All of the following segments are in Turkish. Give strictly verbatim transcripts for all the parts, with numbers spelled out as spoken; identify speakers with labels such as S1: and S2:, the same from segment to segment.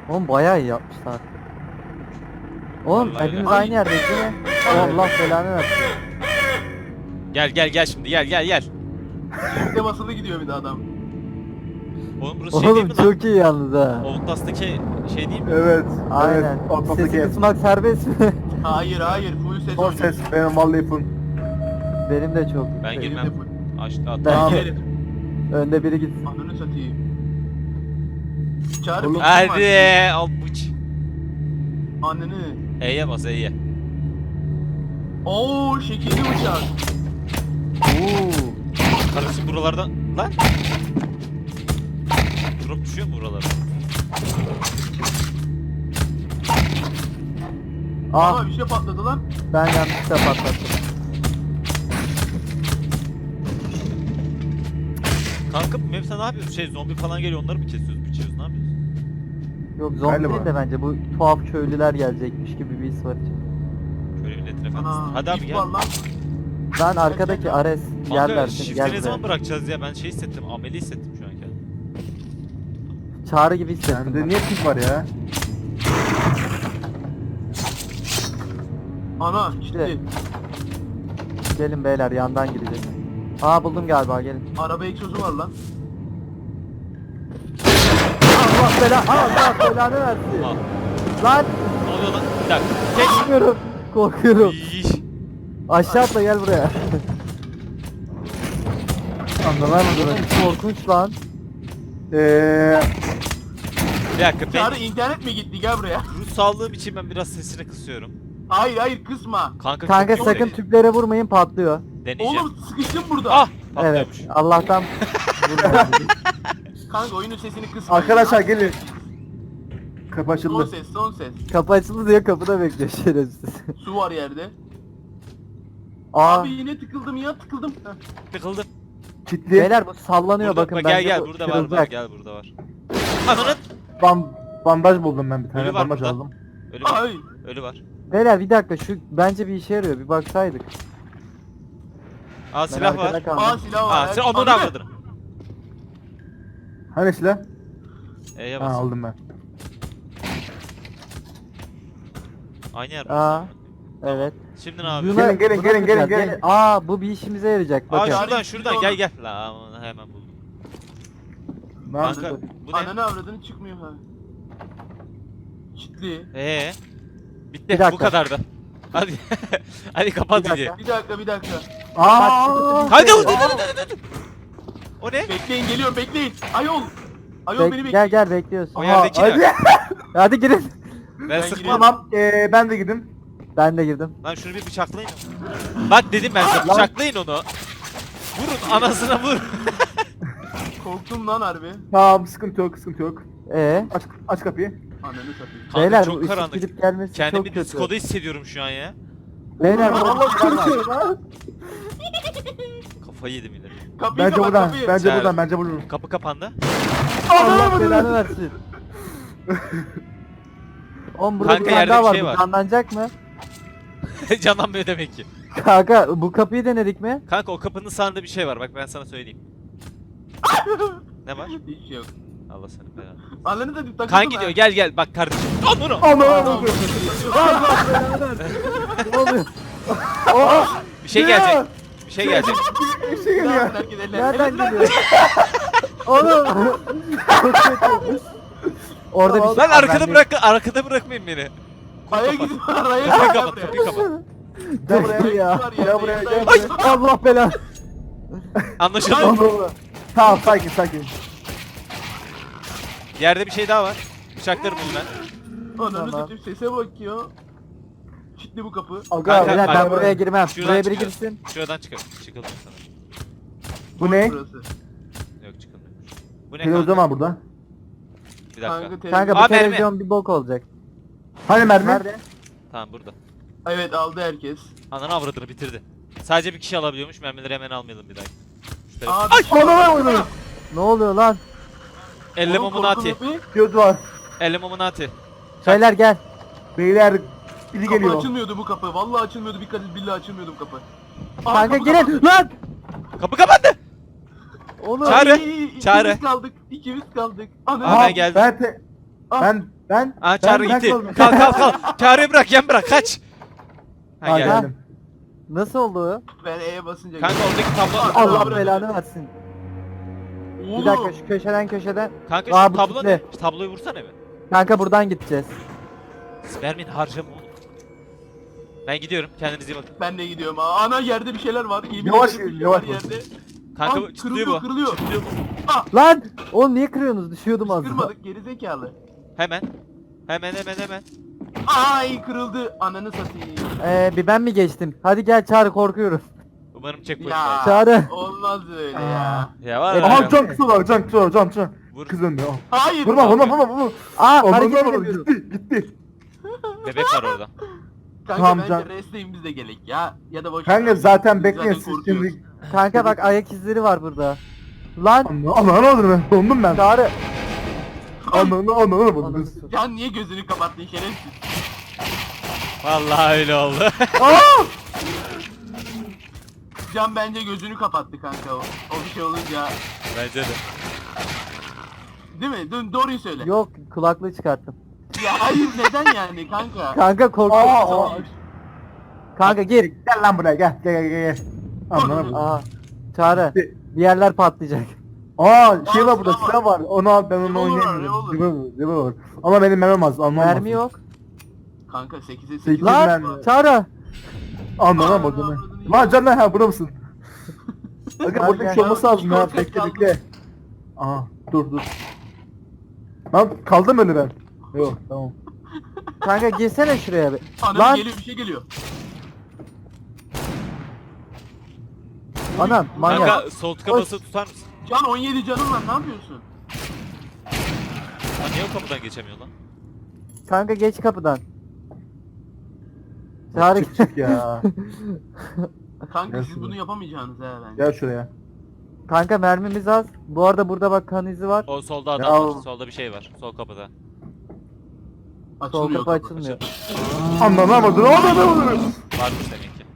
S1: Oğlum bayağı iyi yapmışlar. Oğlum
S2: Vallahi
S1: hepimiz
S2: öyle.
S1: aynı yerdeyiz değil mi? Allah belanı versin.
S2: Gel gel gel şimdi gel gel gel.
S3: Yüzde basılı gidiyor bir de adam.
S2: Oğlum burası şey değil
S1: Oğlum
S2: mi lan?
S1: çok iyi yalnız ha.
S2: Outlast'taki şey değil mi?
S4: Evet.
S1: Aynen.
S4: Evet. Ortalıktaki
S1: Sesi
S4: ev.
S1: kısmak serbest mi?
S3: Hayır hayır full ses
S4: Son
S3: oynuyor.
S4: ses benim vallahi full.
S1: Benim de çok.
S2: Ben
S3: Benim de
S2: girmem.
S3: full.
S2: Açtı
S1: Ben-
S2: attı.
S4: Tamam.
S3: Girerim.
S1: Önde biri gitsin.
S3: Ananı satayım. Çağrı
S4: Oğlum.
S3: bir
S2: Hadi al bıç.
S3: Ananı.
S2: E'ye bas E'ye.
S3: Oo şekilli uçak.
S1: Oo.
S2: Kardeşim buralardan lan. Drop düşüyor mu buralara?
S1: Ah
S3: Aa bir şey patladı lan.
S1: ben yanlışlıkla patlattım.
S2: Kanka bu map'te ne yapıyoruz? Şey zombi falan geliyor onları mı kesiyoruz, biçiyoruz ne yapıyoruz?
S1: Yok zombi
S4: Galiba.
S1: değil de bence bu tuhaf köylüler gelecekmiş gibi bir his var içinde.
S2: Şöyle milletin efendisi.
S3: Ana.
S2: Hadi abi
S3: ip
S2: gel.
S3: var lan.
S1: Ben arkadaki Ares
S2: Kanka
S1: yerler seni
S2: shift'i
S1: gel
S2: ne
S1: buraya.
S2: zaman bırakacağız ya? Ben şey hissettim, ameli hissettim şu an kendimi.
S1: Çağrı gibi hissettim.
S4: Sende
S1: ben.
S4: niye pik var ya?
S3: Ana
S1: İşte.
S3: gitti.
S1: Gelin beyler yandan gideceğiz. Aa buldum galiba gelin.
S3: Araba egzozu var lan.
S1: Allah bela Allah belanı versin.
S2: Al.
S1: Lan
S2: Ne oluyor lan? Bir dakika. Geç.
S1: korkuyorum. Korkuyorum.
S2: İyi.
S1: Aşağı atla gel buraya.
S4: Anlamam mı durun?
S1: Korkunç lan.
S4: Eee...
S2: Bir dakika ben
S3: Çağrı internet mi gitti gel buraya.
S2: ruh sağlığım için ben biraz sesini kısıyorum.
S3: Hayır hayır kısma.
S2: Kanka,
S1: Kanka
S2: çok
S1: sakın
S2: dene-
S1: tüplere vurmayın patlıyor.
S2: deneyeceğim.
S3: Oğlum sıkıştım burada.
S2: Ah!
S1: Evet.
S2: Patlıyormuş.
S1: Allah'tan vurmadı.
S3: Kanka oyunun sesini kısma.
S4: Arkadaşlar gelin. Kapı
S3: Son
S4: açıldı.
S3: ses son ses.
S1: Kapı açıldı diye kapıda bekliyor şerefsiz.
S3: Su var yerde.
S1: Aa
S3: Abi yine tıkıldım ya tıkıldım. Heh.
S2: Tıkıldım.
S4: Kitli.
S1: beyler bu sallanıyor
S2: Burada,
S1: bakın
S2: bak, gel
S1: bence
S2: gel
S1: bu
S2: burada var, var
S1: kırılacak.
S2: gel burada var. Ananın
S4: Bam bandaj buldum ben bir tane.
S2: Ölü var
S4: Bandaj
S2: burada.
S4: aldım.
S2: ölü var.
S3: Ay.
S2: Ölü var.
S1: Beyler bir dakika şu bence bir işe yarıyor bir baksaydık.
S2: Aa
S1: Ben
S2: silah var.
S1: arkada kaldım.
S3: Aa silah var.
S2: Aa sen onu
S3: Ananı-
S2: da avradın.
S4: Hani silah?
S2: E'ye
S4: Ha
S2: bas.
S4: aldım ben.
S2: Aynı yer.
S1: Aa.
S2: burası.
S1: Evet.
S2: Şimdi ne abi?
S1: Buna-
S4: Gelin, gelin,
S1: buna
S4: gelin, gelin,
S1: bakacağız.
S4: gelin.
S1: Aa bu bir işimize yarayacak
S2: Aa
S1: bakın.
S2: şuradan
S3: Yani
S2: şuradan
S3: şimdi
S2: gel
S3: onu-
S2: gel. La aman, hemen buldum.
S4: Ne yaptın?
S2: Kanka bu ne?
S3: Ananı avradını çıkmıyor ha. Kitli.
S2: Ee. Bitti
S1: Bir dakika.
S2: bu kadardı. Hadi. Hadi kapat
S1: Bir
S2: videoyu.
S1: dakika.
S3: Bir dakika bir dakika.
S4: Aa!
S2: Hadi dur dur dur dur. O ne?
S3: Bekleyin geliyorum bekleyin. Ayol. Ayol
S1: Bek-
S3: beni bekleyin.
S1: gel gel bekliyorsun.
S2: O
S4: Aha,
S2: yerdeki
S4: hadi.
S2: ne?
S1: Hadi girin.
S2: Ben
S3: Ben
S2: sıkmam.
S3: giriyorum.
S4: Tamam. Eee ben de girdim.
S1: Ben de girdim.
S2: Lan şunu bir bıçaklayın. Bak dedim ben size bıçaklayın onu. Vurun anasına vur.
S3: Korktum lan harbi.
S4: Tamam sıkıntı yok sıkıntı yok.
S1: Ee,
S4: Aç aç kapıyı.
S3: Ananı satayım.
S2: Kanka
S1: beyler bu
S2: çok
S1: ışık
S2: karanlık.
S1: gidip gelmesi çok
S2: Kendimi
S1: kötü.
S2: diskoda hissediyorum şu an ya.
S1: Beyler bu
S4: Allah korkuyorum ha.
S2: Kafayı yedim yine.
S3: Kapıyı
S4: Bence
S3: kapat
S4: buradan.
S3: kapıyı.
S4: Bence
S2: Güzel.
S4: buradan. Bence buradan.
S2: Kapı kapandı.
S1: Allah belanı versin. Oğlum burada
S2: Kanka,
S1: bir tane
S2: yerde
S1: daha
S2: bir
S1: var.
S2: şey
S1: Bu
S2: var.
S1: canlanacak mı?
S2: Canlanmıyor demek ki.
S1: Kanka bu kapıyı denedik mi?
S2: Kanka o kapının sağında bir şey var bak ben sana söyleyeyim. Ne var?
S3: Hiç şey yok.
S2: Allah seni belanı.
S3: Ananı satayım takıldım
S2: Kan gidiyor gel gel bak kardeşim. Al bunu.
S4: Aman.
S1: Ne oluyor?
S2: Bir şey gelecek. Bir şey gelecek.
S4: Bir şey geliyor.
S1: Nereden geliyor? Oğlum. Çok kötü. Orada bir şey
S2: Lan
S1: var,
S2: arkada
S1: ben de-
S2: bırak arkada bırakmayın beni.
S3: Aya gidin araya
S2: Kapıyı
S3: gidin
S2: kapat
S3: buraya.
S2: kapıyı kapat.
S4: Gel buraya.
S1: ya.
S3: Var
S4: Gel
S3: yerde,
S4: buraya,
S3: yerde,
S4: gel
S3: yerde.
S4: buraya.
S1: Allah belanı.
S2: Anlaşıldı.
S4: Tamam. Tamam sakin sakin.
S2: Yerde bir şey daha var. Bıçaklarım bunu ben.
S3: Ananı
S1: Tamam.
S3: satayım sese bak ya. Kilitli bu kapı.
S4: Aga
S2: Kanka,
S1: Beyler ben
S2: Kanka,
S1: buraya girmem.
S2: şuradan
S1: Buraya biri
S2: çıkıyoruz.
S1: girsin.
S2: Şuradan çıkar. Çıkılmıyor sana.
S4: Bu ne?
S3: Burası.
S2: Yok çıkılmıyor. Bu ne
S4: Televizyon
S2: kanka?
S4: var burada.
S2: Bir dakika.
S3: Kanka,
S1: Kanka bu
S2: Aa, mermi.
S1: televizyon bir bok olacak.
S4: Hani mermi?
S1: Nerede?
S2: Tamam burada.
S3: Evet aldı herkes.
S2: Ananı avradını bitirdi. Sadece bir kişi alabiliyormuş. Mermileri hemen almayalım bir dakika. Şu tarafa-
S3: Abi.
S4: Ay! Anam oyunu.
S1: Ne oluyor lan?
S2: Elle
S3: Oğlum,
S2: momunati.
S3: korkun kapıyı.
S4: Göz var.
S2: Elle momunati.
S1: Beyler gel.
S4: Beyler biri
S3: Kapı
S4: geliyor.
S3: açılmıyordu bu kapı. Vallahi açılmıyordu. Bir kadın billahi açılmıyordu bu kapı. Aa,
S1: Kanka
S3: kapı
S1: girin.
S3: kapandı.
S1: Lan.
S2: Kapı kapandı.
S1: Oğlum.
S2: Çağrı,
S3: Ay, ikimiz
S2: Çağrı.
S3: kaldık. İkimiz kaldık. Ana.
S2: Aa, ben geldim.
S4: Ben te...
S3: Ah.
S4: Ben ben
S2: Aa
S4: ben
S2: Çağrı
S4: ben
S2: gitti.
S4: kaldım.
S2: Kalk kalk kalk. Çağrı'yı bırak yan bırak kaç. Ha
S4: Ha,
S2: geldi.
S4: geldim.
S1: Nasıl oldu o?
S3: Ben E'ye basınca
S2: Kanka oradaki tablo.
S3: Allah
S1: Allah
S3: bırak.
S1: belanı versin.
S3: Oğlum.
S1: Bir dakika şu köşeden köşeden.
S2: Kanka
S1: Aa,
S2: şu
S1: bu
S2: tablo
S1: kitle.
S2: ne? Şu tabloyu vursana bir.
S1: Kanka buradan gideceğiz.
S2: Spermin harcama oğlum. Ben gidiyorum. Kendinize iyi bakın.
S3: Ben de gidiyorum. Aa, ana yerde bir şeyler var. Yemin
S4: Yavaş
S3: ederim bir
S4: gidin,
S3: şey
S4: yavaş
S3: var
S4: gidin.
S3: yerde.
S2: Kanka
S3: Ay,
S2: bu çıtlıyor
S3: kırılıyor,
S2: bu.
S3: kırılıyor.
S2: Çıtlıyor bu.
S3: Ah,
S1: Lan! Oğlum niye kırıyorsunuz? Düşüyordum az daha.
S3: kırmadık geri zekalı.
S2: Hemen. Hemen hemen hemen.
S3: Ay kırıldı. Ananı satayım.
S1: Ee, bir ben mi geçtim? Hadi gel Çağrı, korkuyorum.
S2: Umarım checkpoint
S3: Ya.
S2: var.
S1: Çağrı.
S3: Olmaz öyle ya.
S2: Ya var
S1: Evet.
S2: ya.
S4: Aha can kısa var can kısa var can can.
S2: Vur.
S4: Kız önde. al.
S3: Hayır.
S4: Vurma vurma vurma vurma.
S1: Aa
S4: Ondan
S1: hareket
S4: sonra
S1: edemiyorum.
S4: gitti gitti.
S2: Bebek var orada.
S3: Kanka
S4: Tamam,
S3: bence
S4: can-
S3: restleyin biz de gelek ya. Ya da boş
S4: Kanka
S3: ver.
S4: zaten
S3: Biz
S4: bekleyin
S3: zaten
S4: siz
S3: korkuyoruz.
S4: şimdi.
S1: Kanka bak ayak izleri var burada. Lan
S4: Anla anla anla ben dondum ben.
S1: Çağrı.
S4: Anla anla anla anla.
S1: Ananı satayım.
S3: Can niye gözünü kapattın şerefsiz?
S2: Vallahi öyle oldu.
S3: Can bence gözünü kapattı kanka o. O bir şey olunca.
S2: Bence de.
S3: Değil mi? Dön doğruyu söyle.
S1: Yok, kulaklığı çıkarttım.
S3: Ya hayır neden yani kanka?
S1: Kanka korktum.
S4: Aa, aa.
S1: Kanka gir.
S4: Gel lan buraya gel gel gel gel. Anla anla.
S1: Aa. Çağrı. Bir yerler patlayacak.
S4: Aa şey var burada
S3: silah var.
S4: silah var. Onu al ben onu
S3: Revolver var,
S4: oynayamıyorum.
S3: revolver.
S4: Revolver, revolver. Ama benim mermim az. Almam
S1: Mermi
S4: lazım.
S1: yok.
S3: Kanka sekize sekiz.
S4: Sekiz
S1: Lan
S4: mermi.
S1: Çağrı.
S4: Anla lan
S3: Aa,
S4: bakın.
S3: aa,
S4: Lan can lan ha burada mısın? Bakın
S1: Gel,
S4: burada bir
S1: gel.
S4: şey olması lazım ya.
S3: Korkak
S4: Bekle
S3: kaldım.
S4: bekle. Aha dur dur. Lan kaldım öyle ben. Yok tamam.
S1: Kanka girsene şuraya bir.
S3: Anam
S1: Lan
S3: geliyor bir şey geliyor.
S1: anam manyak.
S2: Kanka sol tıka
S1: Oy.
S2: basılı tutar mısın?
S3: Can on yedi canım var ne yapıyorsun?
S2: Lan niye o kapıdan geçemiyor lan?
S1: Kanka geç kapıdan. Çağrı.
S4: Çık çık ya.
S3: Kanka
S4: Gel
S3: siz
S4: şuraya.
S3: bunu yapamayacaksınız he bence.
S4: Gel şuraya.
S1: Kanka mermimiz az. Bu arada burada bak kan izi var.
S2: O solda adam
S4: Ya
S2: var.
S4: o-
S2: Solda bir şey var. Sol kapıda.
S1: Sol
S3: Açılmıyor
S1: kapı
S3: kapı.
S1: açılmıyor.
S4: Anlamadım. Anlamadım.
S2: Varmış demek ki.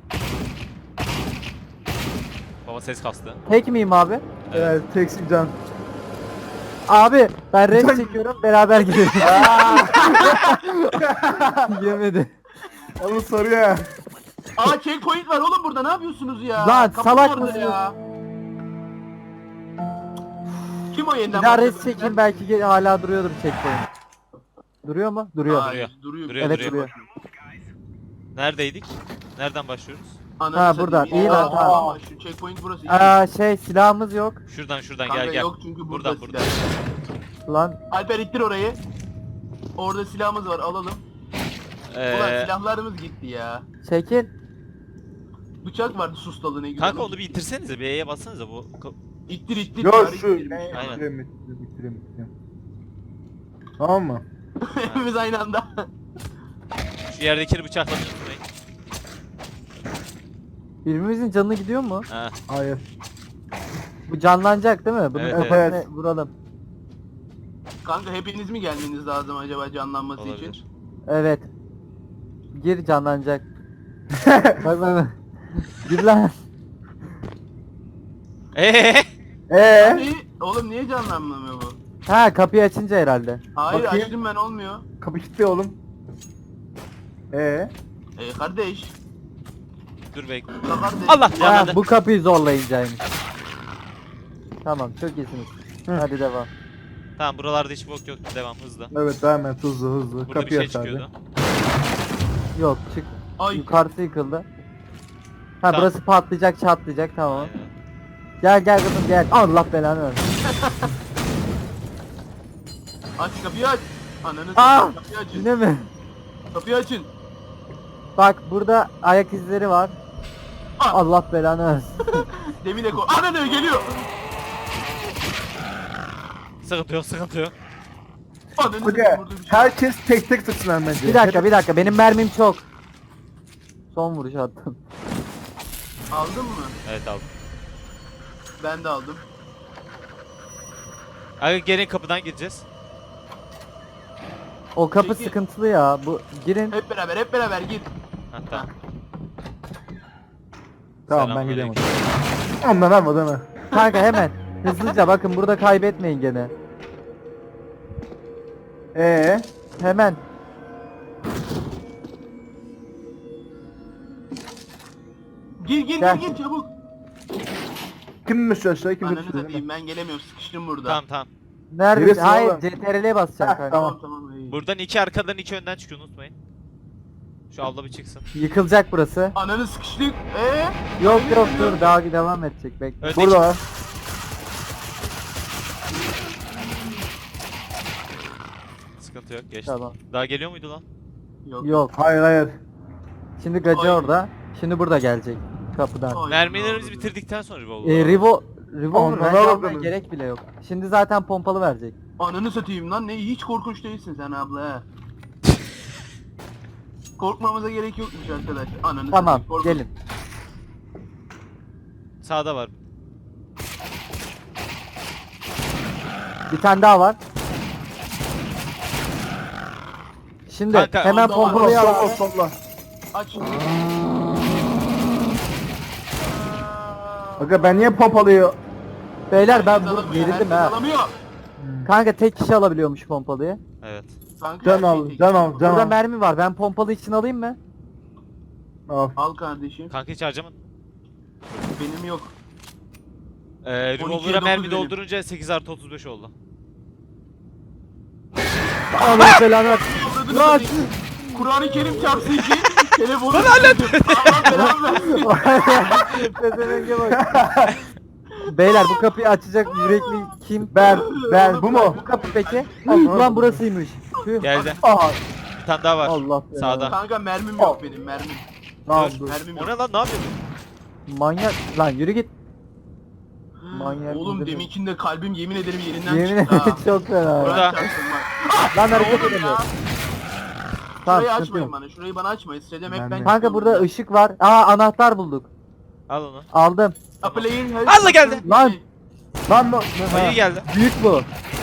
S2: Baba ses kastı.
S1: Tek miyim abi?
S4: Evet teksin can.
S1: Abi ben res
S4: Sen-
S1: çekiyorum, beraber gidelim. Yemedi.
S4: Onu soruyor ya.
S3: Aa checkpoint var oğlum burada ne yapıyorsunuz ya?
S1: Lan,
S3: Kapı
S1: salak
S3: orada
S1: mısın?
S3: ya? Kim o yeniden
S1: Bir daha res
S3: başladı?
S1: çekeyim, belki ge- hala duruyordur checkpoint. Duruyor mu? Duruyor.
S3: Hayır,
S2: Duruyor.
S3: duruyor.
S2: Duruyor,
S1: Evet,
S2: duruyor.
S1: duruyor.
S2: Neredeydik? Nereden başlıyoruz?
S3: Ananı
S1: Ha,
S3: satayım.
S1: burada. İyi
S3: Aa,
S1: lan, tamam.
S3: aa, Şu checkpoint burası. iyi.
S1: Aa şey silahımız yok.
S2: Şuradan şuradan
S3: Kanka
S2: gel gel.
S3: yok çünkü burada
S2: Buradan buradan.
S3: silah.
S1: Lan
S3: Alper ittir orayı. Orada silahımız var alalım. Ulan
S2: Ee,
S3: silahlarımız gitti ya.
S1: çekil.
S3: Bıçak vardı sustalı ne güzel.
S2: kanka onu bir itirsenize. Bir E'ye bassanıza bu. ka-
S3: İttir ittir.
S4: Yok
S3: çare
S4: şu.
S3: ittirmiş.
S2: Aynen.
S4: Bitireyim bitireyim bitireyim. bitireyim. Tamam mı?
S3: Hepimiz aynı anda.
S2: Şu yerdekini bıçaklamayı unutmayın.
S1: Birbirimizin canı gidiyor mu?
S2: Ha.
S4: Hayır.
S1: Bu canlanacak değil mi? Bunu
S2: Evet,
S1: kafasına
S4: evet.
S1: vuralım.
S3: Kanka hepiniz mi gelmeniz lazım acaba canlanması için?
S2: Olabilir.
S1: Evet. Gir, canlanacak. Bak bak bak. Gir lan.
S2: Eee?
S4: Eee?
S3: Niye? Oğlum niye canlanmıyor bu?
S1: Ha, kapıyı açınca herhalde.
S3: Hayır
S4: Bakayım.
S3: açtım ben olmuyor.
S4: Kapı kilitli oğlum. Eee?
S3: Ee kardeş.
S2: Dur bekle.
S3: La kardeş.
S2: Allah
S1: Ha,
S2: canlandı.
S1: bu kapıyı zorlayıncaymış. Tamam, çok iyisiniz.
S4: Hı.
S1: Hadi devam.
S2: Tamam buralarda hiç bok yok. Devam hızlı.
S4: Evet devam et hızlı hızlı.
S2: Burada bir
S4: Kapıyı
S2: şey
S4: aç abi.
S2: çıkıyordu.
S1: Yok, çık.
S3: Ay.
S1: Yukarısı yıkıldı. Ha,
S2: Tamam.
S1: burası patlayacak, çatlayacak, tamam.
S2: Aynen.
S1: Gel gel kızım gel. Allah belanı versin.
S3: Aç kapıyı aç. Ananı
S1: Aa!
S3: satayım, kapıyı açın.
S1: Yine mi?
S3: Kapıyı açın.
S1: Bak burada ayak izleri var.
S3: Ah!
S1: Allah belanı versin.
S3: Demin de ko. Ananı geliyor.
S2: Sıkıntı yok sıkıntı yok.
S3: Ananı
S4: Hadi
S3: satayım, burada bir şey.
S4: herkes tek tek sıksın bence.
S1: Bir dakika bir dakika, benim mermim çok. Son vuruş attım.
S3: Aldın mı?
S2: Evet aldım.
S3: Ben de aldım.
S2: Aga gelin kapıdan gireceğiz.
S1: O kapı
S3: Çekil.
S1: sıkıntılı ya. Bu girin.
S3: Hep beraber hep beraber gir.
S2: Ha tamam.
S4: Tamam ben
S2: Selamünaleyküm.
S4: gidelim. Ondan alma değil mi?
S1: Kanka hemen. Hızlıca bakın, burada kaybetmeyin gene.
S4: Ee,
S1: Hemen.
S3: Gir gir
S1: Gel.
S3: gir gir çabuk.
S4: kim düştü aşağı kim
S3: Ananı
S4: düştü?
S3: satayım ben gelemiyorum sıkıştım burada.
S2: Tamam tamam.
S1: Neredesin?
S4: Neresin
S1: Hayır,
S4: oğlum?
S1: C T R L'ye basacaksın
S4: Heh,
S1: kanka.
S4: tamam.
S3: Tamam tamam. iyi.
S2: Buradan iki arkadan iki önden çıkıyor unutmayın. Şu abla bir çıksın.
S1: Yıkılacak burası.
S3: Ananı sıkıştık. Eee?
S1: Yok yok dur daha devam edecek bekle.
S2: Öndeki.
S4: Burada var.
S2: Sıkıntı yok geçti.
S1: Tamam.
S2: Daha geliyor muydu lan?
S3: Yok.
S1: Yok.
S4: Hayır hayır.
S1: Şimdi gacı
S3: Ay.
S1: orada. Şimdi burada gelecek. Kapıdan.
S3: Ay,
S2: Mermilerimizi
S3: Allah'ım.
S2: bitirdikten sonra revolver.
S1: Ee, Revo Revolver
S4: Onlara
S1: bence almaya
S4: bakalım.
S1: gerek bile yok. Şimdi zaten pompalı verecek.
S3: Ananı satayım lan ne hiç korkunç değilsin sen abla he. Korkmamıza gerek yokmuş arkadaş. Ananı
S1: Tamam
S3: satayım, korkun.
S1: gelin.
S2: Sağda var.
S1: Bir tane daha var. Şimdi
S2: Kanka,
S1: hemen
S3: onda var.
S1: pompalıyı
S4: Solla
S1: al.
S4: solla solla.
S3: Aç.
S4: Aga ben niye pompalıyor?
S1: Beyler ben
S3: Herkes
S1: burada
S3: alamıyor,
S1: gerildim
S3: herkes
S1: ha.
S3: alamıyor.
S1: Kanka tek kişi alabiliyormuş pompalıyı.
S2: Evet.
S3: Kanka,
S4: Can
S3: her şey
S4: al
S3: tek-
S4: can al can
S1: Burada
S4: al.
S1: mermi var. Ben pompalı için alayım mı?
S4: Al.
S3: Al kardeşim.
S2: Kanka hiç harcamadın.
S3: Benim yok.
S2: Ee,
S3: on ikiye
S2: revolver'a
S3: dokuz
S2: mermi
S3: benim.
S2: doldurunca sekiz artı otuz beş oldu.
S1: Allah belanı ver.
S3: Avradını
S1: Lan!
S3: satayım. Kur'an-ı Kerim çarpsın ki telefonu Allah belanı versin.
S1: Pezevenge bak. Beyler bu kapıyı açacak yürekli kim?
S4: Ben ben bu mu?
S1: Bu kapı peki? Ulan burasıymış. Tüh.
S2: Geldi.
S4: Aha.
S2: Bir tane daha var.
S1: Allah belanı.
S2: Sağda.
S3: Kanka mermim yok benim mermim.
S4: Tamam
S2: Dur.
S4: dur.
S3: Mermim
S2: O
S3: yok.
S2: ne lan ne yapıyorsun?
S1: Manyak. Lan yürü git. Manyak
S3: Oğlum
S1: mıdır?
S3: deminkinde kalbim yemin ederim yerinden
S1: Yemin
S3: çıktı ha.
S1: ederim çok fena.
S2: Burada.
S3: Kur'an çarpsın bak.
S1: Lan hareket
S3: Oğlum
S1: edemiyor.
S3: ya.
S1: Tamam,
S3: Şurayı
S1: sıkıntı
S3: açmayın
S1: yok.
S3: bana. Şurayı bana açmayın. Sedem hep
S4: Ben
S3: ben
S4: de.
S1: Kanka burada ışık var. Aa anahtar bulduk.
S2: Al onu.
S1: Aldım.
S3: Apple'in
S2: Allah geldi.
S1: Lan!
S4: Lan lan.
S2: Ayı geldi.
S1: Büyük bu.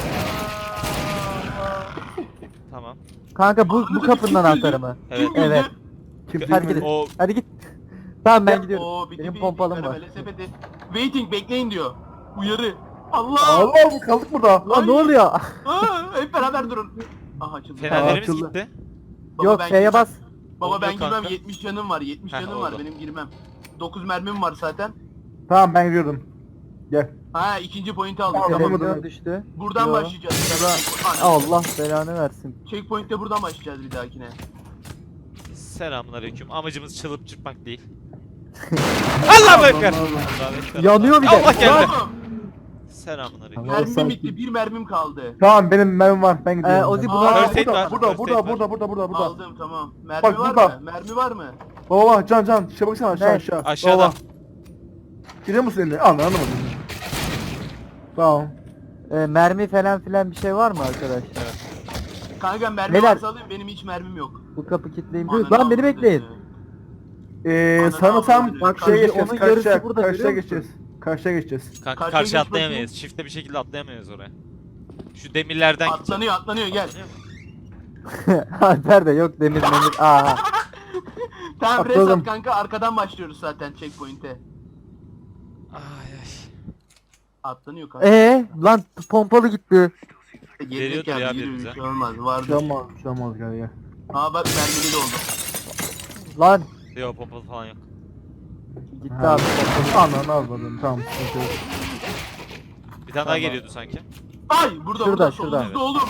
S2: Tamam.
S1: Kanka bu bu kapının anahtarı mı?
S2: Evet.
S1: Evet.
S4: Kim
S1: Hadi
S4: bilmedi.
S1: gidin.
S2: O
S1: Hadi git. Tamam ben
S3: Oo,
S1: gidiyorum.
S3: bitti,
S1: Benim
S3: bitti,
S1: pompalım var.
S3: karamele sepeti. Waiting bekleyin diyor. Uyarı. Allah!
S4: Allah kaldık burada.
S1: Lan ne oluyor?
S3: Aa, hep beraber durun. Aha açıldı.
S2: fenerlerimiz
S4: açıldı.
S2: gitti.
S3: Baba,
S1: Yok
S3: ben
S1: şeye
S3: girmem.
S1: bas.
S3: Baba ben
S2: Oldu
S3: girmem.
S2: kanka.
S3: yetmiş canım var. yetmiş
S2: Heh,
S3: canım var.
S2: oldu.
S3: Benim girmem. dokuz mermim var zaten.
S4: Tamam ben gidiyorum. Gel.
S3: Ha ikinci point'i aldık.
S4: Tamam,
S3: Tamam.
S1: Televizyon düştü.
S3: Buradan
S1: Yo.
S3: başlayacağız.
S1: Allah belanı versin.
S3: Checkpoint'te buradan başlayacağız bir dahakine.
S2: Selamünaleyküm. Amacımız çalıp çırpmak değil. Allah bekler. Allah bekler.
S1: Yanıyor bir de.
S2: Allah geldi.
S3: Oğlum,
S2: Selamünaleyküm.
S4: Allah
S3: mermim
S4: sanki-
S3: bitti. Bir mermim kaldı.
S4: Tamam benim mermim var. Ben gidiyorum.
S1: Ee, Ozi
S3: Aa,
S1: buna
S2: First aid
S4: burada,
S2: var,
S4: burada,
S2: first
S4: burada,
S2: aid
S4: burada,
S2: var.
S4: burada, burada, burada.
S3: Aldım tamam. Mermi
S4: Bak,
S3: var
S4: burada.
S3: mı? Mermi var mı?
S4: Baba bak can can. Şuna baksana aşağı
S1: Ne?
S4: aşağı.
S2: Aşağıda.
S4: Baba. Gidiyor musun elini? Anla anlamadım. Tamam.
S1: e, mermi falan filan bir şey var mı arkadaşlar?
S3: Kanka mermi
S1: Beyler.
S3: varsa alayım. Benim hiç mermim yok.
S1: Bu kapı kilitliyim.
S3: Ananı
S1: Lan beni
S3: avradını.
S1: bekleyin.
S4: Ee,
S3: Ananı
S4: sanırsam
S3: avradını.
S4: bak
S3: Bak,
S4: şeye
S1: şimdi
S4: geçeceğiz.
S1: onun
S4: Karşıya,
S1: yarısı burada,
S4: karşıya
S1: görüyor musun?
S4: geçeceğiz. Karşıya geçeceğiz.
S2: Kanka
S3: Karşıya
S2: karşı
S3: geç
S2: atlayamayız.
S3: bakayım.
S2: Çifte bir şekilde atlayamayız oraya. Şu demirlerden gideceğiz.
S3: Atlanıyor atlanıyor gel.
S1: Alper de yok demir memir. Aha.
S3: Tamam res
S4: Atladım.
S3: at kanka arkadan başlıyoruz zaten checkpoint'e.
S2: Ay ay.
S3: Atlanıyor kanka.
S1: Ee lan pompalı gitti.
S3: Gelecek
S2: veriyordur
S3: yani,
S2: ya
S3: yürü,
S2: birimize.
S3: bir şey olmaz vardı.
S4: Şamaz, şamaz gel gel.
S3: Aa bak mermili de oldu.
S1: Lan
S2: Yok pompalı falan yok.
S1: gitti
S4: Ha.
S1: abi pompalı.
S4: Ananı almadım. Tamam. sıkıntı yok.
S2: Bir tane daha geliyordu sanki.
S3: Ay burada
S1: Şurada,
S3: burada
S1: şurada.
S3: solumuzda oğlum.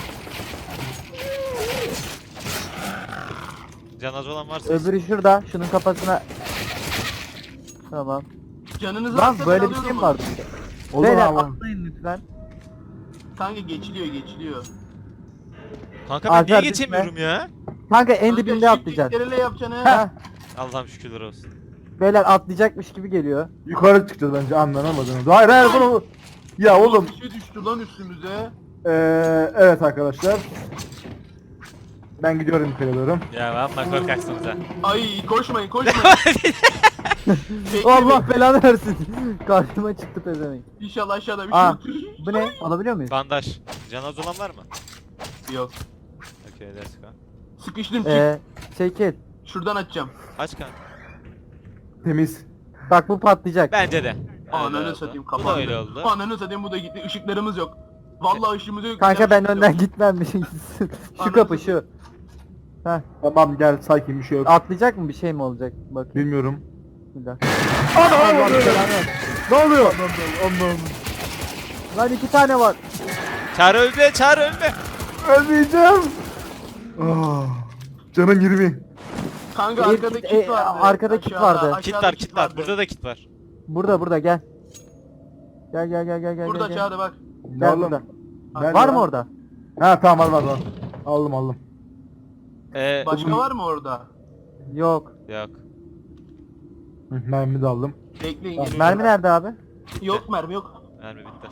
S2: Canaz olan varsa.
S1: Öbürü şurada. Şunun kafasına. Tamam.
S3: Canınız
S1: Lan
S3: varsa
S1: böyle
S3: ben
S1: bir şey
S3: alıyorum
S1: mi
S3: onu.
S1: vardı?
S4: Olur
S1: Beyler
S4: abi.
S1: atlayın lütfen.
S3: Kanka geçiliyor geçiliyor.
S2: Kanka ben
S1: Alper
S2: niye
S1: düşme.
S2: geçemiyorum ya?
S1: Kanka en
S3: Kanka,
S1: dibinde
S3: shift
S1: atlayacaksın.
S3: Ctrl yapacaksın
S1: Heh.
S3: ha.
S2: Allah'ım şükürler olsun.
S1: Beyler atlayacakmış gibi geliyor.
S4: Yukarı çıkacağız bence anlanamadınız. Hayır hayır bunu. Ya oğlum.
S3: Bir şey düştü lan üstümüze.
S4: Ee, evet arkadaşlar. Ben gidiyorum yukarı doğru.
S2: Ya amma korkaksınız ha.
S3: Ay koşmayın koşmayın. Bekle,
S1: Allah
S3: bekle.
S1: belanı versin. Karşıma çıktı pezevenk.
S3: İnşallah aşağıda bir şey
S1: Aa
S3: yoktur.
S1: bu ne? Alabiliyor muyuz?
S2: Bandaj. Canaz olan var mı?
S3: Yok.
S2: Okey let's go.
S3: Sıkıştım çık.
S1: Ee, çekil.
S3: Şuradan açacağım.
S2: Aç kanka.
S4: Temiz.
S1: Bak bu patlayacak.
S2: Bence de. Öyle
S3: Ananı
S2: oldu.
S3: satayım
S2: Bu da
S3: kapandı.
S2: öyle oldu.
S3: Ananı satayım bu da gitti. Işıklarımız yok. Vallahi ışığımı dök.
S1: Kanka ben önden gitmem bir şey gitsin. Şu
S3: Anasını-
S1: kapı şu. Heh.
S4: Tamam gel sakin bir şey yok.
S1: Atlayacak mı bir şey mi olacak? Bak
S4: Bilmiyorum.
S1: bir dakika.
S4: Allah
S1: Ne oluyor?
S4: Allah'ım.
S1: Lan iki tane var.
S2: Çağrı ölme, Çağrı ölme.
S4: Ölmeyeceğim. Ah, canım yirmi.
S3: Kanka
S1: Bir
S3: arkada
S1: kit-
S3: kit
S1: e,
S3: vardı.
S1: arkada kit
S3: Aşağıda,
S1: vardı.
S3: aşağıda
S2: Kit var, kit var.
S3: vardı.
S2: Burada da kit var.
S1: Burada burada gel. Gel gel gel gel gel.
S3: Burada
S1: gel.
S3: aşağıda bak.
S4: Ne
S1: Gel
S4: oğlum?
S1: burada.
S4: Nerede
S1: Var
S4: lan?
S1: mı orada?
S4: Ha tamam var var var. Aldım aldım.
S2: Ee,
S3: Başka var mı orada?
S1: Yok.
S2: yok.
S4: Hı, mermi de aldım.
S3: Bekleyin
S4: Tamam.
S3: geliyorum.
S1: Mermi nerede abi?
S3: Yok mermi yok.
S2: Mermi bitti.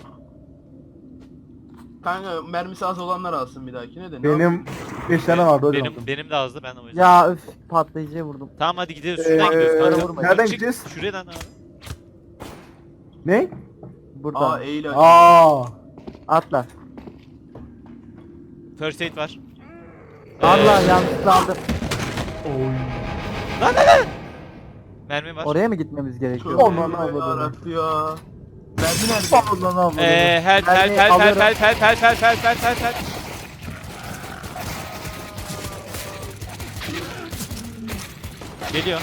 S3: Kanka mermisi az olanlar alsın bir dahakine de. Ne yapayım?
S4: Benim beş tane vardı o yüzden
S2: Benim
S4: aldım.
S2: benim de azdı, ben de o yüzden.
S1: Ya üf patlayıcıya vurdum.
S2: Tamam hadi gidiyoruz. Şuradan gidiyoruz.
S4: Ee,
S2: Kanka.
S1: vurma.
S4: nereden
S2: Çık,
S4: gideceğiz?
S2: Şuradan abi.
S4: Ne?
S1: Buradan.
S3: Aa eğil.
S4: Aa.
S1: Atla.
S2: First aid var.
S1: Allah
S2: Ee,
S1: yanlışlıkla aldım.
S4: Oy.
S2: Lan lan lan. Mermi var.
S1: Oraya mı gitmemiz gerekiyor?
S4: Aman Allah'ım.
S3: Yarabbim ya. Mermi nerede?
S4: Allah'ım Allah'ım.
S2: Eee help help
S1: Mermi
S2: help help
S1: alıyorum.
S2: help help help help help help help help. Geliyor.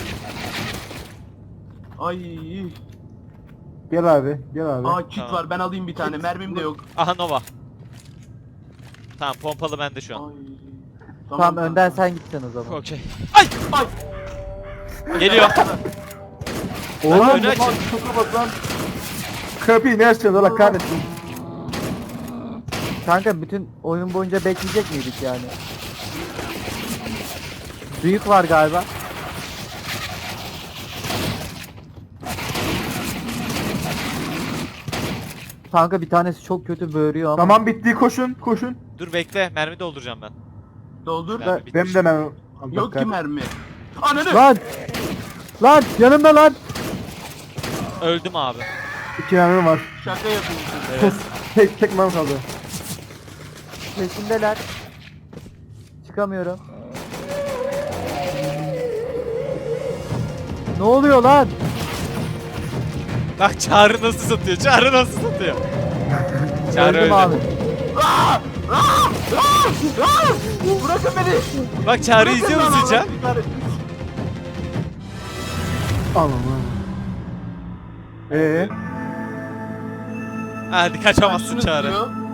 S3: Ay.
S4: Gel abi gel abi.
S3: Aa kit
S2: Tamam.
S3: var ben alayım bir tane. Mermim de yok.
S2: Aha Nova. Tamam pompalı bende şu an.
S3: Ay.
S1: Tamam,
S3: kanka.
S1: önden sen gideceksin o zaman.
S2: Okey. Ay!
S3: Ay.
S2: Geliyor.
S4: Oğlum
S2: önü
S4: bu
S2: açın.
S4: lan çok kapat lan. Kapıyı ne açacağız Allah kahretsin.
S1: Kanka bütün oyun boyunca bekleyecek miydik yani? Büyük var galiba. Kanka bir tanesi çok kötü böğürüyor ama.
S4: Tamam bitti koşun koşun.
S2: Dur bekle, mermi dolduracağım ben.
S3: Doldur.
S2: Mermi bitmiş.
S4: Benim de mermi. Allah
S3: Yok ki
S4: kahretsin.
S3: mermi. Ananı.
S1: Lan! Lan yanımda lan!
S2: Öldüm abi.
S4: İki mermi var.
S3: Şaka yapıyorsun.
S2: Evet.
S4: Tek tek mermi kaldı.
S1: Peşindeler. Çıkamıyorum. Ne oluyor lan?
S2: Bak Çağrı nasıl satıyor, Çağrı nasıl satıyor. Çağrı
S1: Öldüm
S2: öldü.
S1: abi.
S3: Bırakın beni.
S2: Bak Çağrı izliyor
S3: Bırakın
S2: musun
S3: lan,
S2: Can?
S3: Allah kahretsin.
S4: Allah'ım. Eee?
S2: Hadi kaçamazsın
S3: Şunu
S2: Çağrı.
S3: tutuyor.